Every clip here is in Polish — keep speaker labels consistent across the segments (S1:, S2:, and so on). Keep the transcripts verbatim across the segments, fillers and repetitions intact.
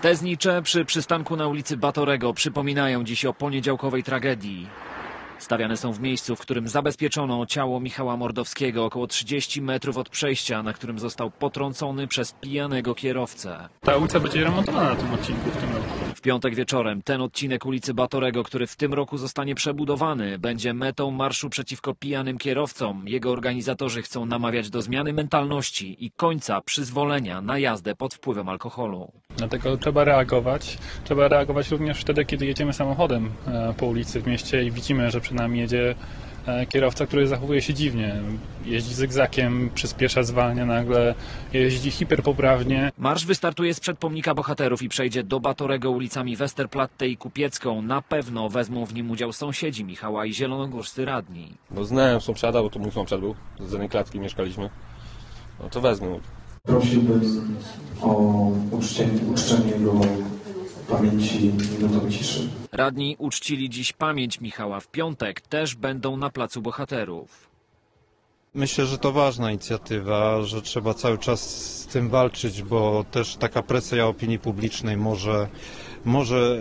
S1: Te znicze przy przystanku na ulicy Batorego przypominają dziś o poniedziałkowej tragedii. Stawiane są w miejscu, w którym zabezpieczono ciało Michała Mordowskiego około trzydzieści metrów od przejścia, na którym został potrącony przez pijanego kierowcę.
S2: Ta ulica będzie remontowana na tym odcinku w tym roku.
S1: W piątek wieczorem ten odcinek ulicy Batorego, który w tym roku zostanie przebudowany, będzie metą marszu przeciwko pijanym kierowcom. Jego organizatorzy chcą namawiać do zmiany mentalności i końca przyzwolenia na jazdę pod wpływem alkoholu.
S2: Dlatego trzeba reagować. Trzeba reagować również wtedy, kiedy jedziemy samochodem po ulicy w mieście i widzimy, że przed nami jedzie kierowca, który zachowuje się dziwnie. Jeździ zygzakiem, przyspiesza, zwalnia nagle, jeździ hiperpoprawnie.
S1: Marsz wystartuje sprzed pomnika bohaterów i przejdzie do Batorego ulicami Westerplatte i Kupiecką. Na pewno wezmą w nim udział sąsiedzi Michała i zielonogórscy radni.
S3: Bo znałem sąsiada, bo to mój sąsiad był, z jednej klatki mieszkaliśmy. No to wezmę.
S4: Prosiłbym o uczczenie, uczczenie go pamięci minutą ciszy.
S1: Radni uczcili dziś pamięć Michała. W piątek też będą na Placu Bohaterów.
S5: Myślę, że to ważna inicjatywa, że trzeba cały czas z tym walczyć, bo też taka presja opinii publicznej może, może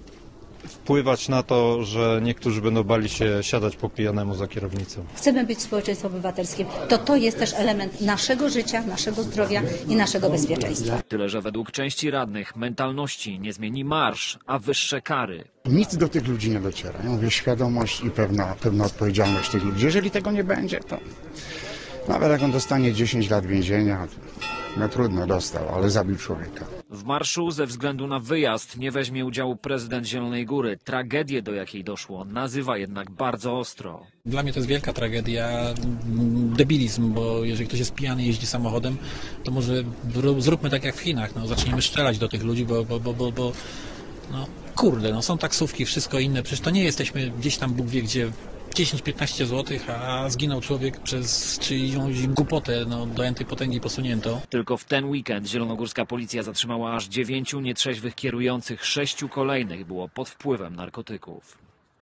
S5: wpływać na to, że niektórzy będą bali się siadać po pijanemu za kierownicą.
S6: Chcemy być społeczeństwem obywatelskim. To to jest też element naszego życia, naszego zdrowia i naszego bezpieczeństwa.
S1: Tyle, że według części radnych mentalności nie zmieni marsz, a wyższe kary.
S7: Nic do tych ludzi nie dociera. Ja mówię, świadomość i pewna, pewna odpowiedzialność tych ludzi. Jeżeli tego nie będzie, to nawet jak on dostanie dziesięć lat więzienia, no trudno, dostał, ale zabił człowieka.
S1: W marszu ze względu na wyjazd nie weźmie udziału prezydent Zielonej Góry. Tragedię, do jakiej doszło, nazywa jednak bardzo ostro.
S8: Dla mnie to jest wielka tragedia, debilizm, bo jeżeli ktoś jest pijany i jeździ samochodem, to może zróbmy tak jak w Chinach, no, zacznijmy strzelać do tych ludzi, bo, bo, bo, bo, bo no, kurde, no, są taksówki, wszystko inne, przecież to nie jesteśmy gdzieś tam Bóg wie gdzie, dziesięć piętnaście złotych, a zginął człowiek przez czyjąś głupotę, no, do entej potęgi posunięto.
S1: Tylko w ten weekend zielonogórska policja zatrzymała aż dziewięciu nietrzeźwych kierujących, sześciu kolejnych było pod wpływem narkotyków.